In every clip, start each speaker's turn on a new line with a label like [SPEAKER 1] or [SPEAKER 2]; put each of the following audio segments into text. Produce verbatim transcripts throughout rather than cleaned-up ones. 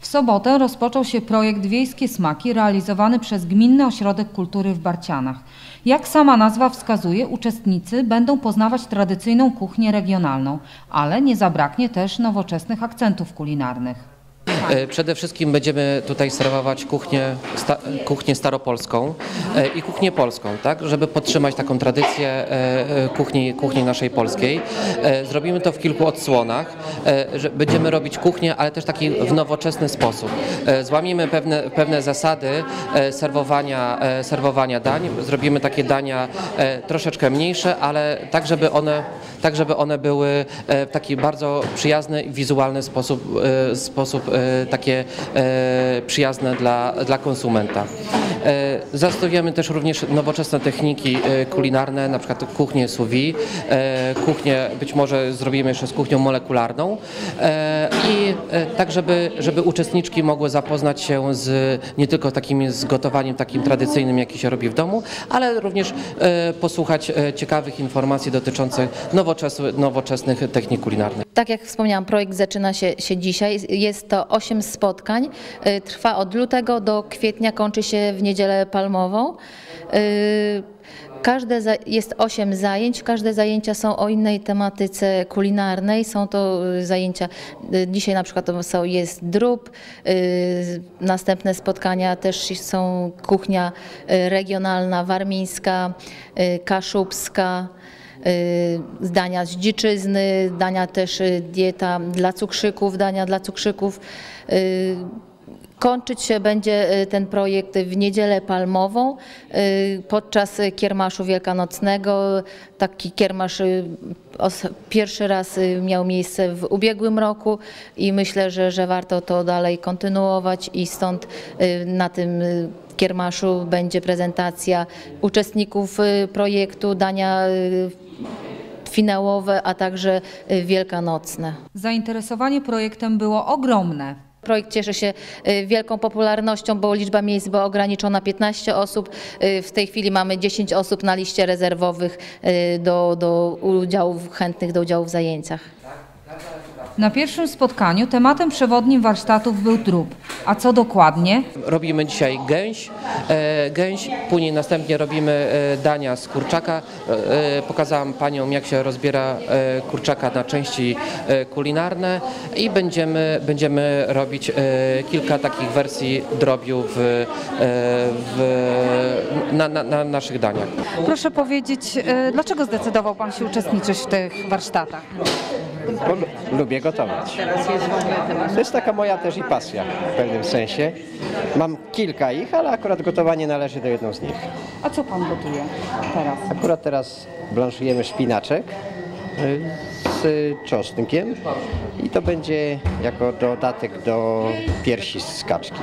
[SPEAKER 1] sobotę rozpoczął się projekt Wiejskie Smaki realizowany przez Gminny Ośrodek Kultury w Barcianach. Jak sama nazwa wskazuje, uczestnicy będą poznawać tradycyjną kuchnię regionalną, ale nie zabraknie też nowoczesnych akcentów kulinarnych.
[SPEAKER 2] Przede wszystkim będziemy tutaj serwować kuchnię, sta, kuchnię staropolską i kuchnię polską, tak, żeby podtrzymać taką tradycję kuchni, kuchni naszej polskiej. Zrobimy to w kilku odsłonach, że będziemy robić kuchnię, ale też taki w nowoczesny sposób. Złamiemy pewne, pewne zasady serwowania, serwowania dań, zrobimy takie dania troszeczkę mniejsze, ale tak, żeby one, tak, żeby one były w taki bardzo przyjazny i wizualny sposób, sposób takie e, przyjazne dla, dla konsumenta. E, zastosujemy też również nowoczesne techniki e, kulinarne, na przykład kuchnię sous vide, e, kuchnię być może zrobimy jeszcze z kuchnią molekularną e, i e, tak, żeby, żeby uczestniczki mogły zapoznać się z, nie tylko takim z gotowaniem takim tradycyjnym, jaki się robi w domu, ale również e, posłuchać e, ciekawych informacji dotyczących nowoczesnych, nowoczesnych technik kulinarnych.
[SPEAKER 3] Tak jak wspomniałam, projekt zaczyna się, się dzisiaj. Jest to osiem spotkań. Trwa od lutego do kwietnia, kończy się w Niedzielę Palmową. Każde jest osiem zajęć, każde zajęcia są o innej tematyce kulinarnej. Są to zajęcia, dzisiaj na przykład są, jest drób, następne spotkania też są kuchnia regionalna, warmińska, kaszubska, dania z dziczyzny, dania też dieta dla cukrzyków, dania dla cukrzyków. Kończyć się będzie ten projekt w Niedzielę Palmową podczas kiermaszu wielkanocnego. Taki kiermasz pierwszy raz miał miejsce w ubiegłym roku i myślę, że, że warto to dalej kontynuować i stąd na tym kiermaszu będzie prezentacja uczestników projektu, dania finałowe, a także wielkanocne.
[SPEAKER 1] Zainteresowanie projektem było ogromne.
[SPEAKER 3] Projekt cieszy się wielką popularnością, bo liczba miejsc była ograniczona piętnaście osób. W tej chwili mamy dziesięć osób na liście rezerwowych do, do udziału, chętnych do udziału w zajęciach.
[SPEAKER 1] Na pierwszym spotkaniu tematem przewodnim warsztatów był drób. A co dokładnie?
[SPEAKER 2] Robimy dzisiaj gęś, e, gęś, później następnie robimy e, dania z kurczaka. E, pokazałam paniom, jak się rozbiera e, kurczaka na części e, kulinarne i będziemy, będziemy robić e, kilka takich wersji drobiu w, e, w, na, na, na naszych daniach.
[SPEAKER 1] Proszę powiedzieć, e, dlaczego zdecydował pan się uczestniczyć w tych warsztatach?
[SPEAKER 4] Bo lubię gotować. To jest taka moja też i pasja w pewnym sensie. Mam kilka ich, ale akurat gotowanie należy do jedną z nich.
[SPEAKER 1] A co pan gotuje teraz?
[SPEAKER 4] Akurat teraz blanszujemy szpinaczek z czosnkiem i to będzie jako dodatek do piersi z kaczki.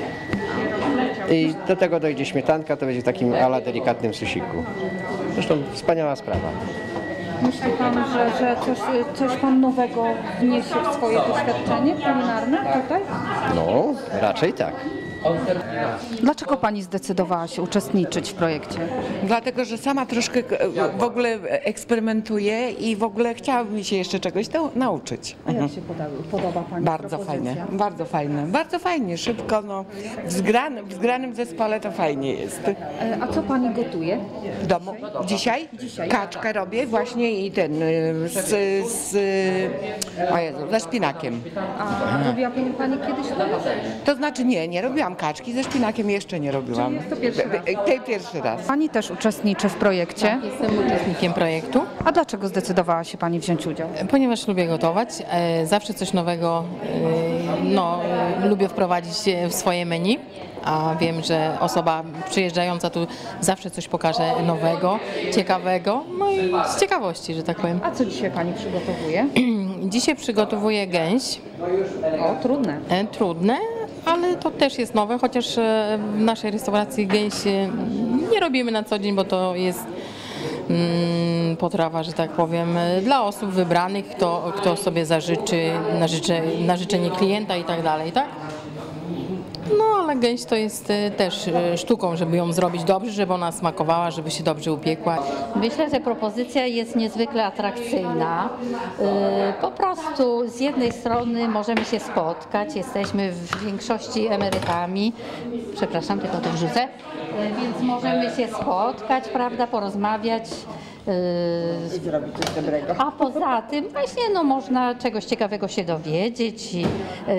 [SPEAKER 4] I do tego dojdzie śmietanka, to będzie w takim ala delikatnym susiku. Zresztą wspaniała sprawa.
[SPEAKER 1] Myśli pan, że, że coś, coś pan nowego wniesie w swoje doświadczenie kulinarne tutaj?
[SPEAKER 4] No, raczej tak.
[SPEAKER 1] Dlaczego pani zdecydowała się uczestniczyć w projekcie?
[SPEAKER 5] Dlatego, że sama troszkę w ogóle eksperymentuję i w ogóle chciałabym się jeszcze czegoś to nauczyć.
[SPEAKER 1] A jak się podoba, podoba pani
[SPEAKER 5] Bardzo fajne, bardzo fajne, bardzo fajnie, szybko, no, w, zgranym, w zgranym zespole to fajnie jest.
[SPEAKER 1] A co pani gotuje?
[SPEAKER 5] W domu dzisiaj?
[SPEAKER 1] Dzisiaj.
[SPEAKER 5] Kaczkę robię właśnie i ten z, z o Jezu, ze szpinakiem.
[SPEAKER 1] A robiła pani, pani kiedyś to?
[SPEAKER 5] To znaczy nie, nie robiłam kaczki, ze szpinakiem jeszcze nie robiłam.
[SPEAKER 1] Czyli jest to pierwszy raz?
[SPEAKER 5] Tej pierwszy raz.
[SPEAKER 1] Pani też uczestniczy w projekcie.
[SPEAKER 6] Tak, jestem uczestnikiem projektu,
[SPEAKER 1] A dlaczego zdecydowała się pani wziąć udział?
[SPEAKER 6] ponieważ lubię gotować. e, Zawsze coś nowego e, no, e, lubię wprowadzić w swoje menu, a wiem, że osoba przyjeżdżająca tu zawsze coś pokaże nowego, ciekawego, no i z ciekawości, że tak powiem.
[SPEAKER 1] A co dzisiaj pani przygotowuje?
[SPEAKER 6] Dzisiaj przygotowuję gęś,
[SPEAKER 1] O, trudne.
[SPEAKER 6] e, trudne, ale to też jest nowe, chociaż e, w naszej restauracji gęsi nie robimy na co dzień, bo to jest mm, potrawa, że tak powiem, dla osób wybranych, kto, kto sobie zażyczy na, życze, na życzenie klienta i tak dalej, tak? No ale gęś to jest e, też e, sztuką, żeby ją zrobić dobrze, żeby ona smakowała, żeby się dobrze upiekła.
[SPEAKER 7] Myślę, że propozycja jest niezwykle atrakcyjna. Yy, Po prostu z jednej strony możemy się spotkać, jesteśmy w większości emerytami, przepraszam, tylko to wrzucę, yy, więc możemy się spotkać, prawda, porozmawiać.
[SPEAKER 8] I zrobić coś dobrego.
[SPEAKER 7] A poza tym właśnie no, można czegoś ciekawego się dowiedzieć i yy,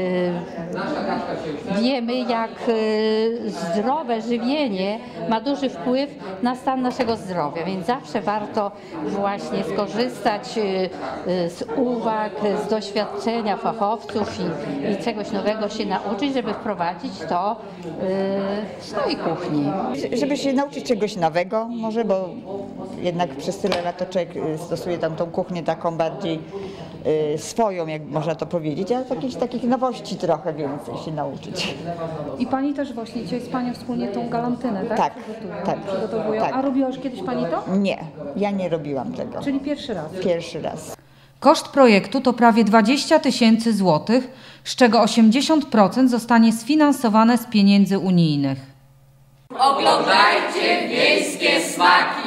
[SPEAKER 7] wiemy, jak yy, zdrowe żywienie ma duży wpływ na stan naszego zdrowia, więc zawsze warto właśnie skorzystać yy, yy, z uwag, z doświadczenia fachowców i, i czegoś nowego się nauczyć, żeby wprowadzić to yy, w swojej kuchni.
[SPEAKER 8] Żeby się nauczyć czegoś nowego może, bo jednak przez tyle lat to człowiek stosuje tam tą kuchnię taką bardziej y, swoją, jak można to powiedzieć, a takich, takich nowości trochę więcej się nauczyć.
[SPEAKER 1] I Pani też właśnie dzisiaj z Panią wspólnie tą galantynę, tak?
[SPEAKER 8] Tak,
[SPEAKER 1] Przygotują,
[SPEAKER 8] tak,
[SPEAKER 1] przygotowują.
[SPEAKER 8] tak.
[SPEAKER 1] A robiła już kiedyś Pani to?
[SPEAKER 8] Nie, ja nie robiłam tego.
[SPEAKER 1] Czyli pierwszy raz.
[SPEAKER 8] Pierwszy raz.
[SPEAKER 1] Koszt projektu to prawie dwadzieścia tysięcy złotych, z czego osiemdziesiąt procent zostanie sfinansowane z pieniędzy unijnych.
[SPEAKER 9] Oglądajcie wiejskie smaki!